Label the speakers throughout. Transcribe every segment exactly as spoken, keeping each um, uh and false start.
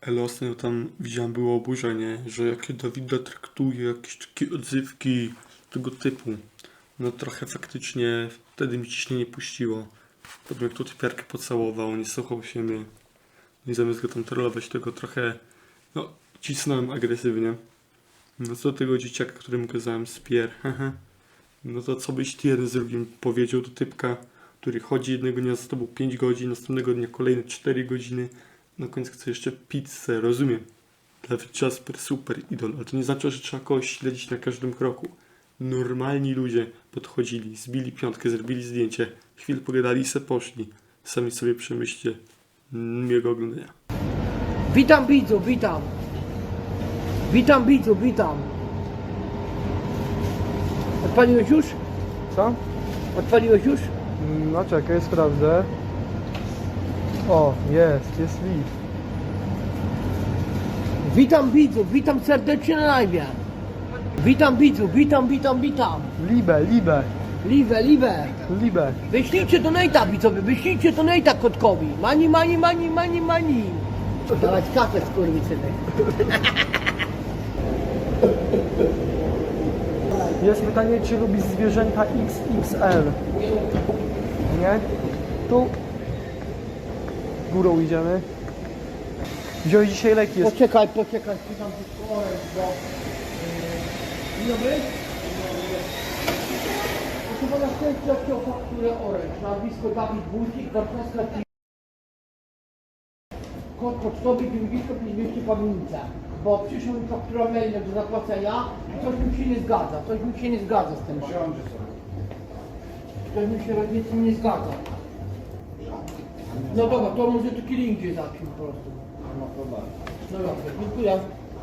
Speaker 1: Ale ostatnio tam widziałem, było oburzenie, że jakie Dawida traktuje, jakieś takie odzywki tego typu. No trochę faktycznie wtedy mi ciśnienie puściło. Potem jak tu typiarkę pocałował, nie słuchał się mnie. I zamiast go tam trollować, tego trochę, no, cisnąłem agresywnie. No co do tego dzieciaka, któremu kazałem spier, haha. No to co byś ty jeden z drugim powiedział do typka, który chodzi jednego dnia z tobą pięć godzin, następnego dnia kolejne cztery godziny, na końcu chce jeszcze pizzę, rozumiem. Dawid Jasper, super idol, ale to nie znaczy, że trzeba kogoś śledzić na każdym kroku. Normalni ludzie podchodzili, zbili piątkę, zrobili zdjęcie, chwilę pogadali i se poszli. Sami sobie przemyślcie. Miłego oglądania.
Speaker 2: Witam widzów, witam. Witam widzów, witam. Odpaliłeś już?
Speaker 3: Co?
Speaker 2: Odpaliłeś już?
Speaker 3: No czekaj, sprawdzę. O, jest, jest lift.
Speaker 2: Witam widzów, witam serdecznie na live. Witam widzów, witam, witam, witam.
Speaker 3: Libe, libe,
Speaker 2: Liwe, liwe.
Speaker 3: libe.
Speaker 2: Wyślijcie donata widzowie, wyślijcie donata kotkowi. Mani, mani, mani, mani, mani. Dawać kasę skurwysynek.
Speaker 3: Jest pytanie, czy lubisz zwierzęta X X L? Nie? Tu. Górą idziemy. Wziąłeś dzisiaj leki, jest.
Speaker 2: Poczekaj, poczekaj, pytam tylko oręż, bo... Dzień dobry. Proszę pana, szczęście o fakturę oręż. Nazwisko Dawid Wójcik, Warszawska T. Kod pocztowy dziewięćdziesiąt pięć dwieście Pawlinica. Bo przyszła mi faktura mailem do zapłacenia i coś mi się nie zgadza. Coś mi się nie zgadza z tym. Coś mi się rocznie z tym nie zgadza. No dobra, to może tu kiedy indziej zacznij po prostu. No dobra, dziękuję.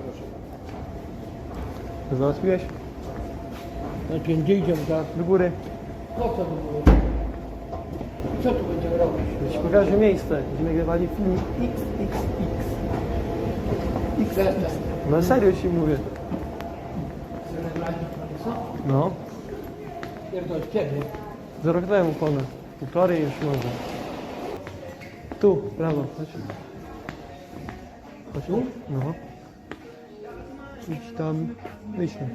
Speaker 3: Załatwiłeś?
Speaker 2: Znaczy, gdzie idziemy teraz?
Speaker 3: Do góry.
Speaker 2: Po co to było? Co tu będziemy robić?
Speaker 3: Ja ci pokażę miejsce. Będziemy nagrywali film X X X.
Speaker 2: Jestem.
Speaker 3: No serio ci mówię.
Speaker 2: Chcę nagrać na co?
Speaker 3: No.
Speaker 2: Pierdol, kiedy?
Speaker 3: Z rok temu ponad. Półtorej już może. Tu, prawo, chodź. Chodź.
Speaker 2: Tu?
Speaker 3: No. Idź tam. Idź tam.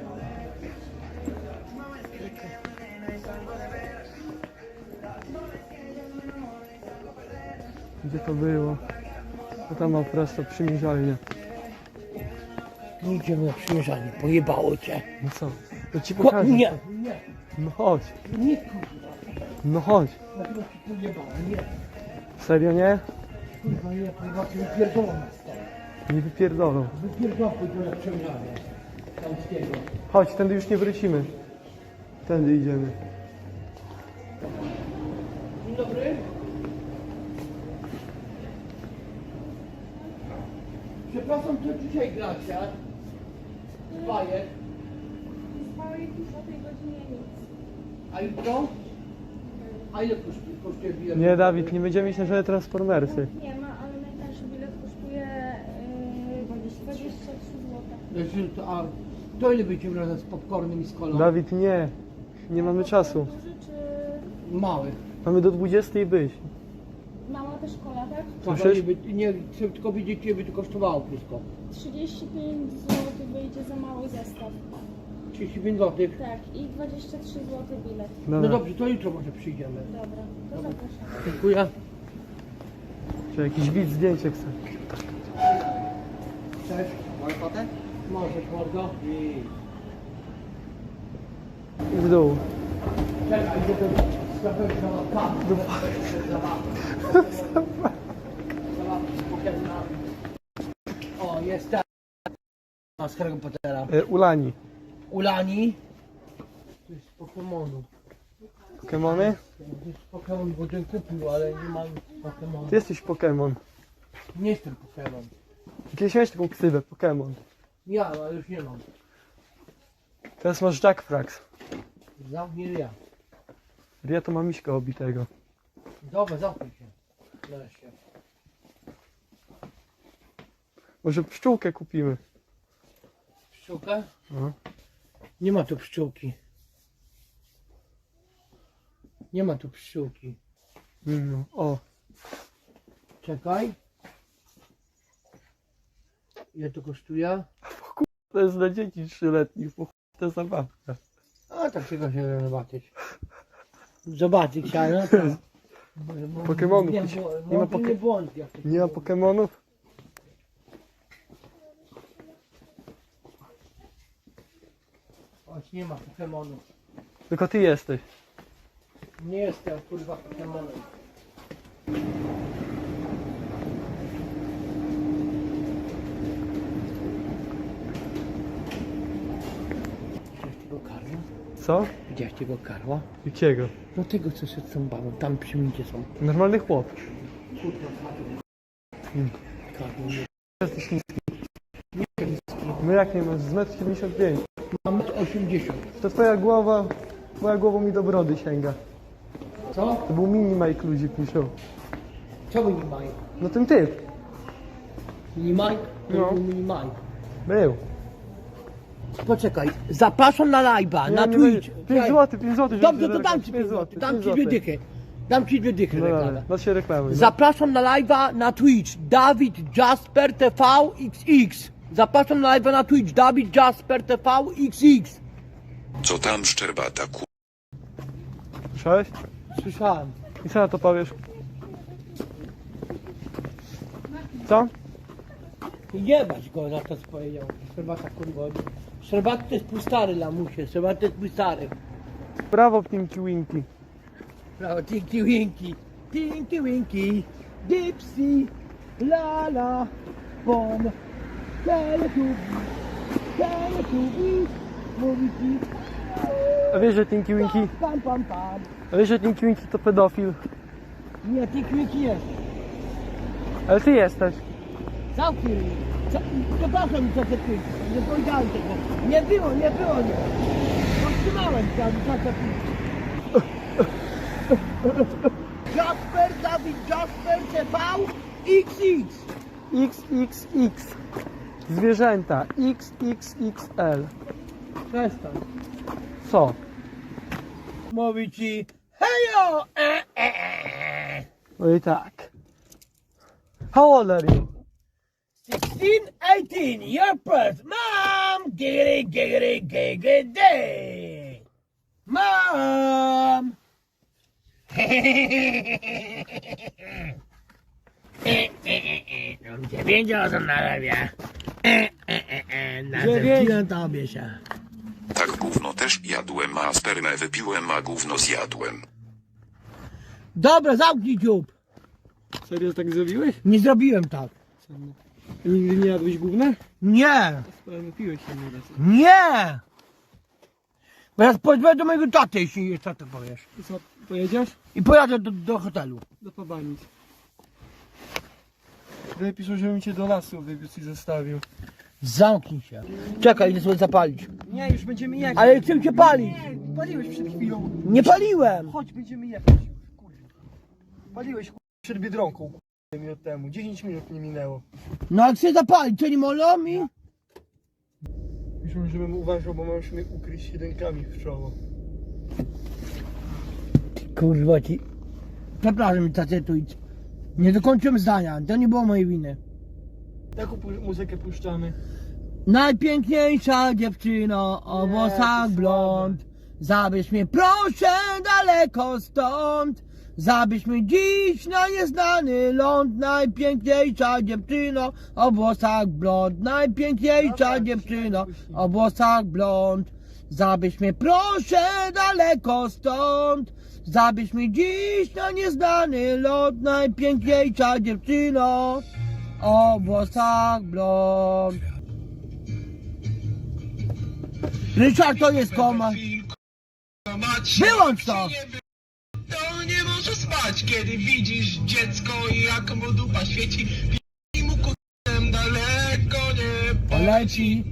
Speaker 3: Gdzie to było? To tam ma prosto przymierzalnię.
Speaker 2: Nie idziemy na przymierzanie, pojebało cię.
Speaker 3: No co? To ci
Speaker 2: Ko-
Speaker 3: pokażę.
Speaker 2: nie, nie,
Speaker 3: No chodź.
Speaker 2: nie kurwa.
Speaker 3: No chodź.
Speaker 2: Dlaczego ci pojebało? Nie.
Speaker 3: Serio nie?
Speaker 2: Kurwa nie, kurwa cię wypierdolą na stole.
Speaker 3: Nie wypierdolą.
Speaker 2: Wypierdolą pójdą na przymierzanie. Tamskiego.
Speaker 3: Chodź, tędy już nie wrócimy. Tędy idziemy.
Speaker 2: Dzień dobry. Przepraszam, co dzisiaj gracie? Bajek.
Speaker 4: Spałeś już o tej godzinie nic.
Speaker 2: A jutro? A ile kosztuje, kosztuje bilet?
Speaker 3: Nie, Dawid, nie będziemy iść na żadne transformersy.
Speaker 4: Nie ma, ale najtańszy bilet kosztuje yy, dwadzieścia trzy złote.
Speaker 2: Znaczy, to, a to ile będziemy razem z popcornem i z kolą?
Speaker 3: Dawid, nie. Nie mamy czasu.
Speaker 4: Duży czy
Speaker 2: Małych.
Speaker 3: Mamy do dwudziestej być.
Speaker 4: mała też kola, tak?
Speaker 3: Słyszysz?
Speaker 2: By, nie, chcę tylko widzieć, ile by to kosztowało wszystko.
Speaker 4: trzydzieści pięć złotych wyjdzie za mały zestaw.
Speaker 2: trzydzieści pięć złotych.
Speaker 4: Tak, i dwadzieścia trzy złote bilet.
Speaker 2: No
Speaker 3: Dobra.
Speaker 2: dobrze, to jutro może przyjdziemy.
Speaker 4: Dobra, to zapraszam.
Speaker 2: Dziękuję.
Speaker 3: Czy jakiś widz zdjęcie chce?
Speaker 2: Cześć. Możesz fotę? Możesz, mordo.
Speaker 3: I w dół.
Speaker 2: Czekaj, idę do sklepu zabawki. Do zabawki z Pokemona. O, jest ten. Z Harry Pottera.
Speaker 3: E, Ulani.
Speaker 2: Ulani. To jest z Pokemonu.
Speaker 3: Pokemony?
Speaker 2: To jest Pokemon, bo ten kupił, ale nie mam Pokemonu.
Speaker 3: Ty jesteś Pokemon.
Speaker 2: Nie jestem Pokemon.
Speaker 3: Kiedyś miałeś taką ksywę, Pokemon.
Speaker 2: Ja, ale już nie mam.
Speaker 3: Teraz masz Jack Frax.
Speaker 2: Zamknij ja.
Speaker 3: Ja to mam miśka obitego.
Speaker 2: Dobra, zamknij się. Nareszcie.
Speaker 3: Może pszczółkę kupimy.
Speaker 2: Pszczółkę?
Speaker 3: No.
Speaker 2: Nie ma tu pszczółki. Nie ma tu pszczółki.
Speaker 3: No. O.
Speaker 2: Czekaj. Ile to kosztuje?
Speaker 3: To jest dla dzieci trzyletnich, po chuj to zabawka.
Speaker 2: A tak się go się zobaczyć. Zobaczyć chciałem, no tak. Bo- bo-
Speaker 3: Pokemonów.
Speaker 2: Nie,
Speaker 3: Nie
Speaker 2: bo-
Speaker 3: ma
Speaker 2: no,
Speaker 3: poke-
Speaker 2: nie błąd, jak to
Speaker 3: Nie ma
Speaker 2: się-
Speaker 3: Pokemonów?
Speaker 2: Choć nie ma Pokemonów.
Speaker 3: Tylko ty jesteś.
Speaker 2: Nie jestem kurwa Pokemonem. Widziałeś tego karła?
Speaker 3: Co?
Speaker 2: Widziałeś tego karła?
Speaker 3: Jakiego?
Speaker 2: No tego co się z tą babą, tam przy micie są.
Speaker 3: Normalny chłop.
Speaker 2: Kurwa
Speaker 3: Hmm.
Speaker 2: karły. nie-
Speaker 3: Jesteś niski. No jak nie masz? Z metr siedemdziesiąt pięć.
Speaker 2: Mam osiemdziesiąt.
Speaker 3: To twoja głowa, twoja głowa mi do brody sięga.
Speaker 2: Co?
Speaker 3: To był mini Mike, ludzie piszą.
Speaker 2: Co mini Mike?
Speaker 3: No ten typ.
Speaker 2: Mini Mike? To
Speaker 3: No.
Speaker 2: był mini Mike.
Speaker 3: Był.
Speaker 2: Poczekaj, zapraszam na live'a, na
Speaker 3: Nie, nie,
Speaker 2: Twitch.
Speaker 3: pięć
Speaker 2: Czekaj.
Speaker 3: złotych, pięć złotych.
Speaker 2: Dobrze, to dam ci pięć złotych, dam ci dwie dychy. Dam ci dwie dychy
Speaker 3: No
Speaker 2: reklamę.
Speaker 3: dobra, no się reklamuj. No.
Speaker 2: Zapraszam na live'a na Twitch, Dawid Jasper T V X X. Zapraszam na live'a na Twitch, Dawid Jasper T V X X.
Speaker 5: Co tam szczerbata ku...
Speaker 3: Słyszałeś?
Speaker 2: Słyszałem.
Speaker 3: I co na to powiesz? Co?
Speaker 2: Jebać go za to, co powiedział. Sherbata kurwa. Sherbata to jest mój stary lamusie, Sherbata to jest mój stary.
Speaker 3: Brawo, Pinky Winky.
Speaker 2: Brawo, Tinky Winky, Tinky Winky, Dipsy, Lala, Bom, Teletubbies, Teletubbies, mówi ci,
Speaker 3: A wiesz, że Tinky Winky,
Speaker 2: pam pam pam.
Speaker 3: a wiesz, że Tinky Winky to pedofil?
Speaker 2: Nie, Tinky Winky jest.
Speaker 3: Ale ty jesteś.
Speaker 2: Zamknij mnie. Co- Przepraszam, co te Twinki, nie powiedziałem tego. Nie było, nie było, nie. Powstrzymałem się, ale co te Twinki. Jasper, Dawid Jasper T V X X.
Speaker 3: X X X. Zwierzęta. X X X L.
Speaker 2: Przestań.
Speaker 3: Co?
Speaker 2: Mówi ci hejo! E, e, e.
Speaker 3: No i tak. How old are you?
Speaker 2: sixteen, eighteen, your birth. Mom! Giggity, giggity, giggity. Mom! Dziewięć osób narabia. Na
Speaker 3: Dziewięć.
Speaker 2: tobie się.
Speaker 5: Tak gówno też jadłem, a spermę wypiłem, a gówno zjadłem.
Speaker 2: Dobra, zamknij dziób.
Speaker 3: Serio tak zrobiłeś?
Speaker 2: Nie zrobiłem tak.
Speaker 3: Nigdy nie jadłeś gówna?
Speaker 2: Nie!
Speaker 3: Piłeś się nie raz.
Speaker 2: Nie! Bo ja pojadę do mojego taty, jeśli jeszcze to powiesz.
Speaker 3: I co, pojedziesz?
Speaker 2: I pojadę do, do hotelu.
Speaker 3: Do pobanic. Tutaj piszą, żebym cię do lasu wywiózł i zostawił.
Speaker 2: Zamknij się. Czekaj, idę sobie zapalić.
Speaker 3: Nie, już będziemy jechać.
Speaker 2: Ale chcę cię palić.
Speaker 3: Nie, paliłeś przed chwilą.
Speaker 2: Nie paliłem.
Speaker 3: Chodź, będziemy jechać. Kurwa. Paliłeś kurwa, przed Biedronką kurwa, minut temu. dziesięć minut nie minęło.
Speaker 2: No ale chcę zapalić, co nie molą mi?
Speaker 3: Piszą, żebym uważał, bo możesz mnie ukryć jedynkami w czoło.
Speaker 2: Kurwa ci. Przepraszam, tacetu, idź. Nie dokończyłem zdania, to nie było mojej winy.
Speaker 3: Taką pu- muzykę puszczamy.
Speaker 2: Najpiękniejsza dziewczyno o
Speaker 3: Nie,
Speaker 2: włosach
Speaker 3: to
Speaker 2: blond. Zabierz mnie proszę daleko stąd. Zabierz mnie dziś na nieznany ląd. Najpiękniejsza dziewczyno o włosach blond. Najpiękniejsza
Speaker 3: Dobra,
Speaker 2: dziewczyno
Speaker 3: puścimy.
Speaker 2: o włosach blond. Zabierz mnie proszę daleko stąd. Zabierz mnie dziś na nieznany ląd. Najpiękniejsza dziewczyno o włosach blond. Ryszard, to jest koma. Wyłącz to!
Speaker 6: To nie może spać, kiedy widzisz dziecko i jak mu dupa świeci i mu kutem daleko nie
Speaker 2: Poleci.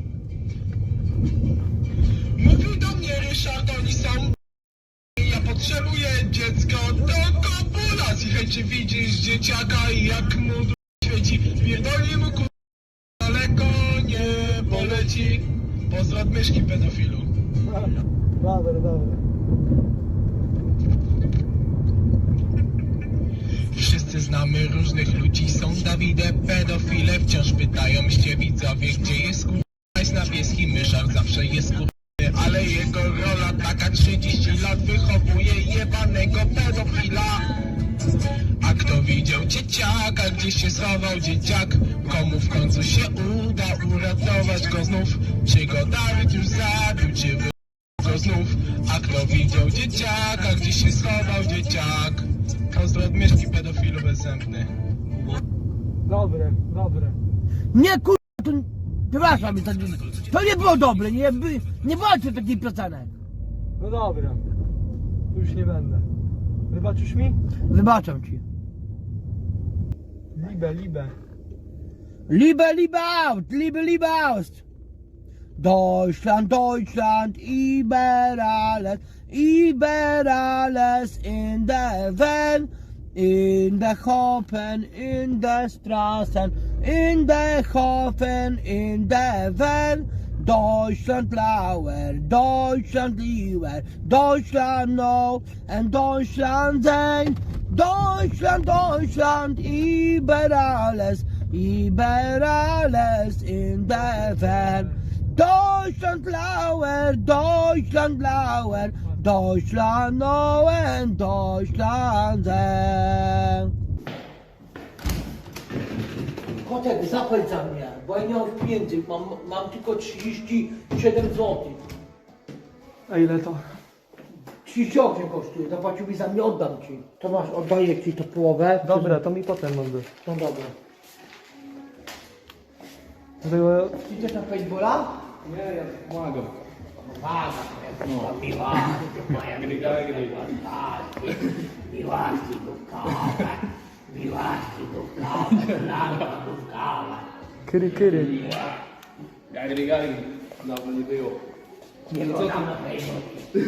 Speaker 6: Mówił do mnie Ryszard, oni są ja potrzebuję dziecko do kopulacji. Hej, czy widzisz dzieciaka i jak mu dupa świeci pierdolnie mu kutem daleko nie poleci. Pozdro od myszki pedofilu.
Speaker 3: Dobra, dobra.
Speaker 6: wszyscy znamy różnych ludzi. Są Dawide, pedofile, wciąż pytają się widzowie, gdzie jest kurwa. Jest niebieski myszar, zawsze jest kurwa. Ale jego rola taka, trzydzieści lat wychowuje jebanego pedofila. A kto widział dzieciaka, gdzie się schował dzieciak? Komu w końcu się uda uratować go znów? Czy go Dawid już zabił, czy wy go znów? A kto widział dzieciaka, gdzie się schował dzieciak? Pozdro od Mieszki, pedofilu bezzębny.
Speaker 3: Dobre, dobre.
Speaker 2: Nie kurwa, to... Przepraszam, to, to nie było dobre, nie, by- nie walczę takich piosenek.
Speaker 3: No dobra. Już nie będę. Wybaczysz mi?
Speaker 2: Wybaczam ci.
Speaker 3: Libe, libe.
Speaker 2: Liebe, liebe aus, liebe, liebe aus. Deutschland, Deutschland, über alles, über alles in der Welt, in der Hafen, in der Straßen, in der Hafen, in der Welt. Deutschland blauer, Deutschland lieber, Deutschland no and Deutschland sein. Deutschland, Deutschland, über alles, über alles in der Welt. Deutschland blauer, Deutschland blauer, Deutschland no and Deutschland sein. Kotek, zapłać za mnie, bo ja nie mam pieniędzy, mam, mam tylko trzydzieści siedem złotych.
Speaker 3: A ile to?
Speaker 2: trzydzieści osiem kosztuje, zapłacił mi za mnie, oddam ci. To masz, oddaję ci to połowę.
Speaker 3: Dobra, to mi potem oddasz.
Speaker 2: No dobra.
Speaker 3: Było...
Speaker 2: Idziesz na paintballa?
Speaker 3: Nie, ja pomagam.
Speaker 2: Pomaga, no. Miłasty, moja miłasty dówkowe, miłasty dówkowe, lalka dówkowa.
Speaker 3: Kyry, kyry.
Speaker 7: Gagri, gagri. Dawno nie było.
Speaker 2: Nie było tam na paintball.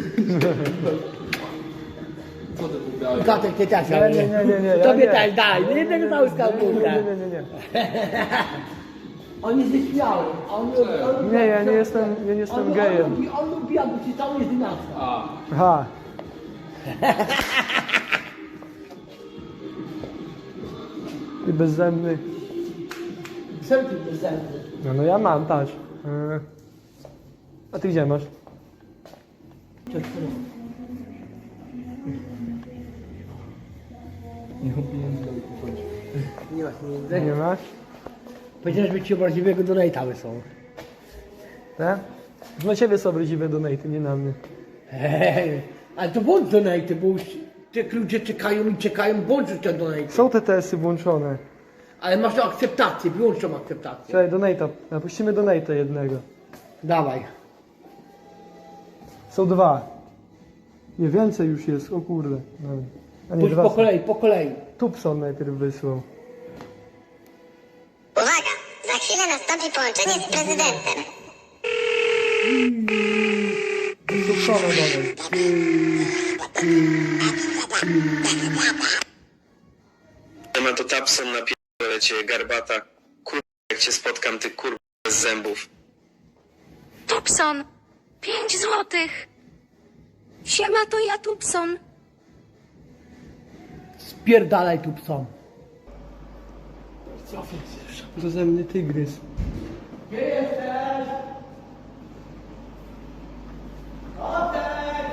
Speaker 7: Co ty tu dałeś?
Speaker 2: Kotek, ty też,
Speaker 3: Nie, nie, nie, nie, nie. ja
Speaker 2: Tobie
Speaker 3: nie.
Speaker 2: też daj, nie tego małą
Speaker 3: Nie,
Speaker 2: skałbunkę.
Speaker 3: nie, nie, nie, nie.
Speaker 2: On jest nieśmiały. On, on,
Speaker 3: Nie, ja nie jestem, ja nie jestem
Speaker 2: on,
Speaker 3: gejem.
Speaker 2: On lubi, on lubi, aby ci cały jest dynastia.
Speaker 7: A,
Speaker 3: Aha. Ty bezzębny.
Speaker 2: Wszelki bezzębny.
Speaker 3: No, no ja mam, patrz. Yy. A ty gdzie masz?
Speaker 2: Nie masz pieniędzy?
Speaker 3: Nie masz?
Speaker 2: Powiedziałeś, że ci obraźliwego donate'a wysłał.
Speaker 3: Tak? Na ciebie są obraźliwe donaty, nie na mnie.
Speaker 2: Hej, ale to bądź donate'y, bo już te ludzie czekają i czekają, bądź już te donate'y.
Speaker 3: Są te testy włączone.
Speaker 2: Ale masz tą akceptację, wyłącz tą akceptację.
Speaker 3: Słuchaj, donata. Napuścimy donata jednego.
Speaker 2: Dawaj.
Speaker 3: Są dwa. Nie, więcej już jest, o kurde. Nawet. A nie,
Speaker 2: Pójdź
Speaker 3: dwa
Speaker 2: po
Speaker 3: są.
Speaker 2: kolei, po kolei.
Speaker 3: Tupson najpierw wysłał.
Speaker 8: Uwaga! Za chwilę nastąpi połączenie z prezydentem.
Speaker 3: Tupsona dalej.
Speaker 9: Ma to Tapson na pierdolę cię, garbata. Kurwa, jak cię spotkam, ty kurwa bez zębów.
Speaker 8: Tupson! Pięć złotych! Siema, to ja Tupson.
Speaker 2: Spierdalaj tu psom.
Speaker 3: Bezemny tygrys.
Speaker 2: Gdzie jesteś? Kotek!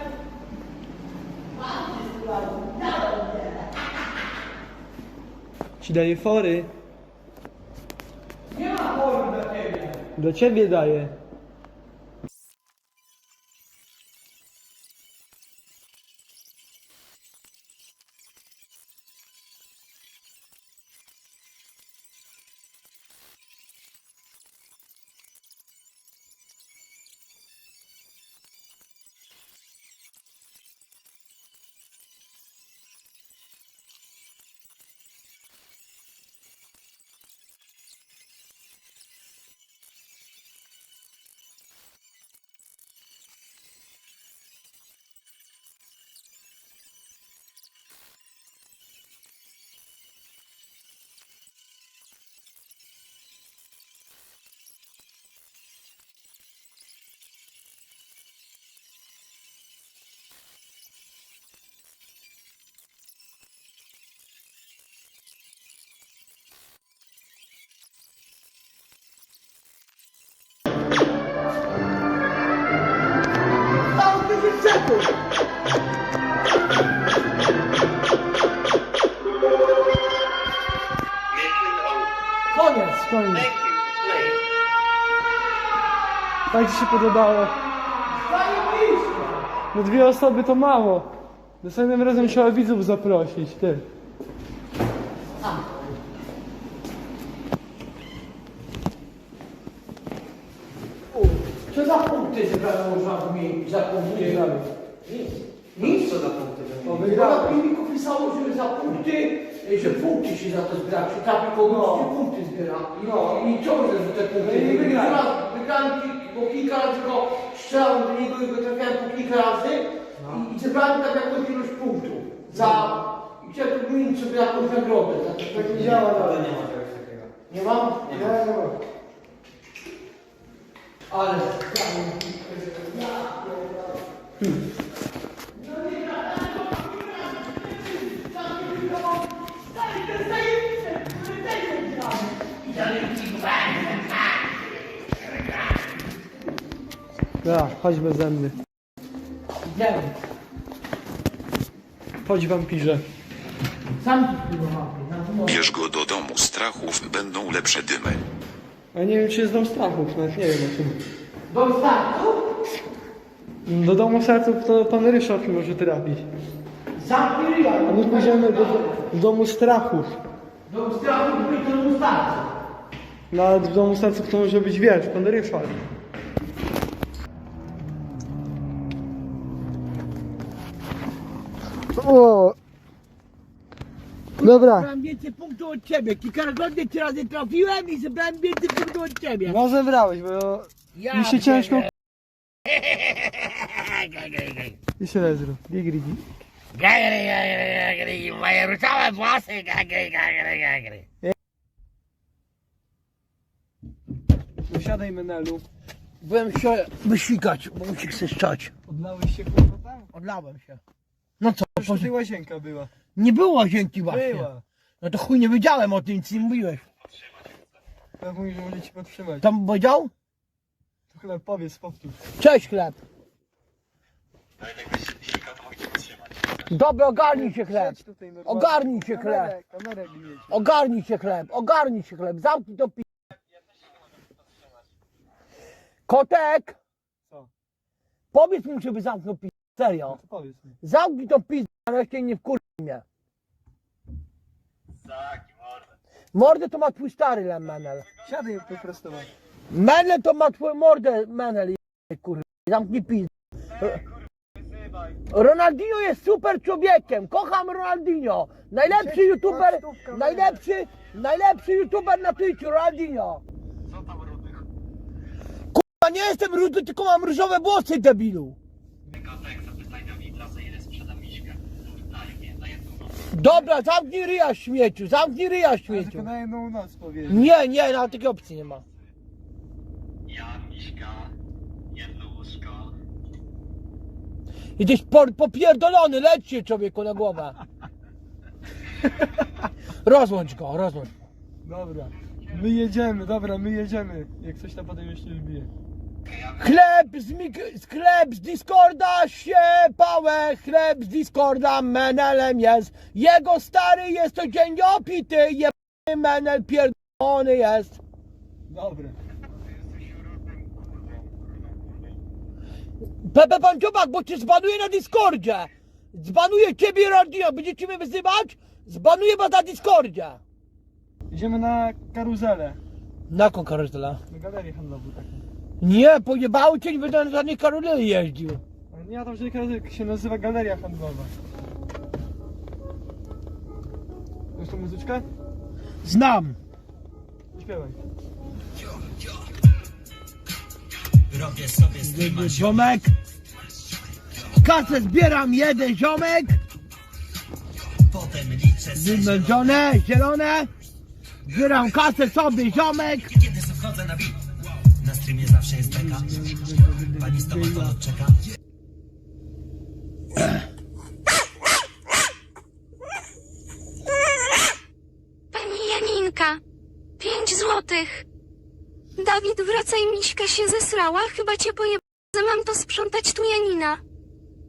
Speaker 3: Ci daje fory.
Speaker 2: Nie ma fory dla ciebie.
Speaker 3: Dla ciebie daje.
Speaker 2: sekund. Koniec.
Speaker 3: Koniec. Tak ci się podobało? No dwie osoby to mało. Następnym razem trzeba widzów zaprosić, ty.
Speaker 2: Co za punkty zebrano można mi za punkty? Nic. Nic? Co za punkty? Bo na filmiku pisało, że za punkty, że punkty się za to zbiera. Czy tak kogoś no. punkty zbiera. No. I co że te punkty? No i wygrałem. Wygrałem, bo kilka razy go strzelałem do niego i go trafiałem po kilka razy. No. I, i zebrałem tak jakąś ilość punktów. Za... I chciałem wymienić sobie jakąś nagrodę. Za to, tak nie działa, ale nie ma czegoś takiego. Nie mam? Nie, nie, nie ma. Ale... Hmm.
Speaker 3: Ja, chodź beze mnie.
Speaker 2: Idziemy.
Speaker 3: Chodź wampirze.
Speaker 2: Sam tu mam.
Speaker 5: Bierz go do domu strachów, będą lepsze dymy.
Speaker 3: A nie wiem czy jest dom strachów, nawet nie wiem o tym.
Speaker 2: Do startu?
Speaker 3: Do domu serców to pan Ryszard może trafić.
Speaker 2: Zamknij ryja.
Speaker 3: A my pójdziemy do, do domu strachów.
Speaker 2: Do strachu i do domu startu.
Speaker 3: No ale w domu serców to może być wiesz, pan Ryszard. O! Dobra,
Speaker 2: Zebrałem więcej punktów od ciebie. Kilkakrotnie trzy razy trafiłem i zebrałem więcej punktów od ciebie.
Speaker 3: no zebrałeś, bo
Speaker 2: Ja
Speaker 3: mi się ciężko...
Speaker 2: pierdolę.
Speaker 3: Jeszcze raz zrób. Gigri.
Speaker 2: Gagry, gagry, gagry, moje ruszałe włosy, gagry, gagry, gagry.
Speaker 3: Usiadaj Menelu.
Speaker 2: Byłem się wysikać, bo mi się chce szczać.
Speaker 3: Odlałeś się kurwa tam?
Speaker 2: Odlałem się. No co,
Speaker 3: Przecież tutaj łazienka była.
Speaker 2: nie było łazienki właśnie.
Speaker 3: Była.
Speaker 2: No to chuj nie wiedziałem o tym, nic nie mówiłeś.
Speaker 3: Ja mówię, że może ci podtrzymać.
Speaker 2: Tam powiedział?
Speaker 3: To chyba powiedz, powtórz.
Speaker 2: Cześć chleb. Dobra, ogarnij się chleb.
Speaker 3: Siedź tutaj normalnie.
Speaker 2: Ogarnij się chleb.
Speaker 3: Kamerę, kamerę bijecie.
Speaker 2: Ogarnij się chleb, ogarnij się chleb. Zamknij to pi... Kotek!
Speaker 3: Co?
Speaker 2: Powiedz mu, żeby zamknął pi... Serio.
Speaker 3: To powiedz mi.
Speaker 2: Zamknij to pi... Nareszcie nie wkurwi mnie. Mordę to ma twój stary Lem Menel.
Speaker 3: Siadaj wyprostować.
Speaker 2: Menel to ma twój mordę Menel. Kurwa. Zamknij pi... Ronaldinho jest super człowiekiem. Kocham Ronaldinho. Najlepszy youtuber, najlepszy, najlepszy youtuber na Twitchu, Ronaldinho. Kurwa, nie jestem rudy, tylko mam różowe włosy, debilu. Dobra, zamknij ryja śmieciu, zamknij ryja
Speaker 3: Ale
Speaker 2: śmieciu.
Speaker 3: tylko na jedną noc powiedzieć.
Speaker 2: Nie, nie, nawet takiej opcji nie ma.
Speaker 6: Ja, Miśka, jedno łóżko.
Speaker 2: Jesteś po, popierdolony, leć się człowieku na głowę. Rozłącz go, rozłącz.
Speaker 3: Dobra. My jedziemy, dobra, my jedziemy. Jak coś tam potem jeszcze wbije.
Speaker 2: Chleb z, mik- z chleb z Discorda się pałę, chleb z Discorda Menelem jest. Jego stary jest to dzień opity, jebany Menel pierdolony jest.
Speaker 3: Dobra.
Speaker 2: Pepe pan Dziobak, bo cię zbanuję na Discordzie. Zbanuję ciebie i Rodino, będziecie mnie wyzywać? Zbanuję was na Discordzie.
Speaker 3: Idziemy na karuzelę.
Speaker 2: Na jaką karuzelę?
Speaker 3: Na galerię handlową taką.
Speaker 2: Nie, pojebało cię, nie będę na żadnej karuzeli jeździł.
Speaker 3: Ale nie, tam że karuzela się nazywa galeria handlowa. Znasz tą muzyczkę?
Speaker 2: Znam.
Speaker 3: Śpiewaj.
Speaker 2: Ziomek. Kasę zbieram, jeden ziomek. Wymęczone, zielone. Zbieram kasę sobie, ziomek.
Speaker 10: Kiedy wchodzę na beat, na streamie zawsze jest beka. Pani stomatolog czeka.
Speaker 8: Pani Janinka, pięć złotych. Dawid, wracaj, Miśka się zesrała, chyba cię pojeb... Mam to sprzątać tu Janina.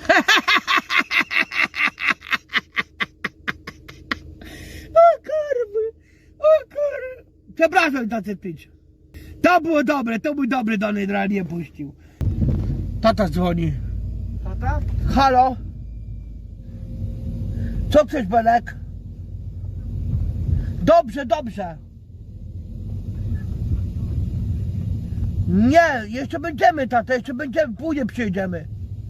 Speaker 2: O kurwy, o kurwy. Przepraszam za te pić. To było dobre, to był dobry Donald nie puścił. Tata dzwoni.
Speaker 3: Tata?
Speaker 2: Halo? Co chcesz, Belek? Dobrze, dobrze. Nie, jeszcze będziemy, tata, jeszcze będziemy, później przyjdziemy.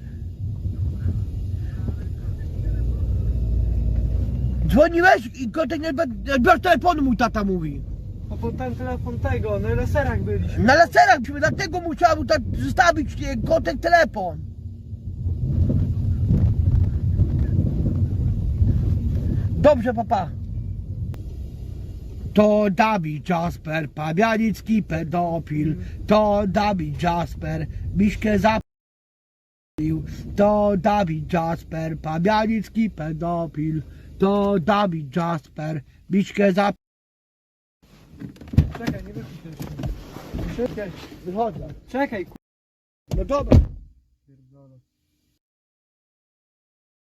Speaker 2: Dzwoniłeś i kotek nie odbiorz telefonu, mój tata mówi.
Speaker 3: A potem telefon tego, na laserach byliśmy.
Speaker 2: Na laserach byliśmy, dlatego musiałem tak zostawić nie, kotek telefon. Dobrze, papa. To Dawid Jasper, pawianicki pedofil. To Dawid Jasper, Miśkę zapił. To Dawid Jasper, pawianicki pedofil. To Dawid Jasper, Miśkę zapił.
Speaker 3: Czekaj, nie wychodź jeszcze.
Speaker 2: Wychodzę.
Speaker 3: Czekaj, ku...
Speaker 2: No dobra.